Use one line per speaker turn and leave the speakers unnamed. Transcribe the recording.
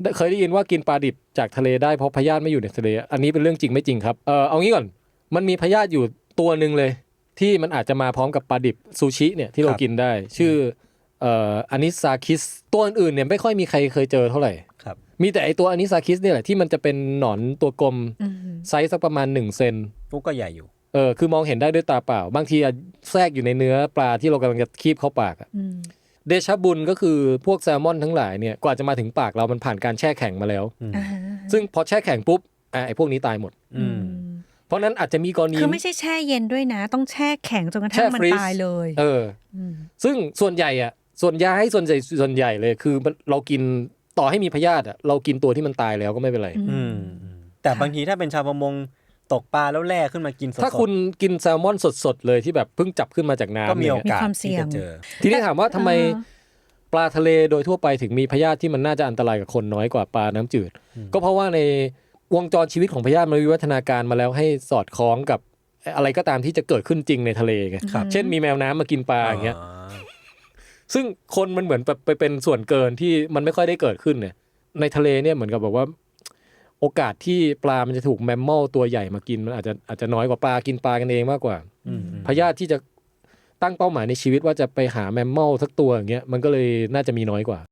เคยได้ยินว่ากินปลาดิบจากทะเลได้เพราะพยาธิไม่อยู่ในทะเลอันนี้เป็นเรื่องจริงไม่จริงครับเอางี้ก่อนมันมีพยาธิอยู่ตัวนึงเลยที่มันอาจจะมาพร้อมกับปลาดิบซูชิเนี่ยที่เรากินได้ชื่ออานิซาคิสตัวอื่นเนี่ยไม่ค่อยมีใครเคยเจอเท่าไหร่
ครับ
มีแต่ไอตัวอานิซาคิสเนี่ยแหละที่มันจะเป็นหนอนตัวกลมไซส์สักประมาณ1 เซน
ก็ใหญ่อยู่
คือมองเห็นได้ด้วยตาเปล่าบางทีแทรกอยู่ในเนื้อปลาที่เรากำลังจะคีบเข้าปากเดชะบุญก็คือพวกแซลมอนทั้งหลายเนี่ยกว่าจะมาถึงปากเรามันผ่านการแช่แข็งมาแล้วซึ่งพอแช่แข็งปุ๊บไอ้พวกนี้ตายหมดเพราะนั้นอาจจะมีกรณี
คือไม่ใช่แช่เย็นด้วยนะต้องแช่แข็งจนกระทั่งมันตายเลย
ซึ่งส่วนใหญ่ส่วนใหญ่เลยคือเรากินต่อให้มีพยาธิเรากินตัวที่มันตายแล้วก็ไม่เป็นไร
แต่บางทีถ้าเป็นชาวประมงตกปลาแล้วแล่ขึ้นมากินสด
ถ้าคุณกินแซลมอนสดๆเลยที่แบบเพิ่งจับขึ้นมาจากน้ำ
ก็มีโอกาสที่จะเจอ
ทีนี้ถามว่าทำไมปลาทะเลโดยทั่วไปถึงมีพยาธิที่มันน่าจะอันตรายกับคนน้อยกว่าปลาน้ำจืดก็เพราะว่าในวงจรชีวิตของพยาธิมันวิวัฒนาการมาแล้วให้สอดคล้องกับอะไรก็ตามที่จะเกิดขึ้นจริงในทะเลไงเช่นมีแมวน้ำมากินปลาอย่างเงี้ยซึ่งคนมันเหมือนไปเป็นส่วนเกินที่มันไม่ค่อยได้เกิดขึ้นเนี่ยในทะเลเนี่ยเหมือนกับบอกว่าโอกาสที่ปลามันจะถูกแมมมอลตัวใหญ่มากินมันอาจจะน้อยกว่าปลากินปลากันเองมากกว่าพยาธิที่จะตั้งเป้าหมายในชีวิตว่าจะไปหาแมมมอลสักตัวอย่างเงี้ยมันก็เลยน่าจะมีน้อยกว่า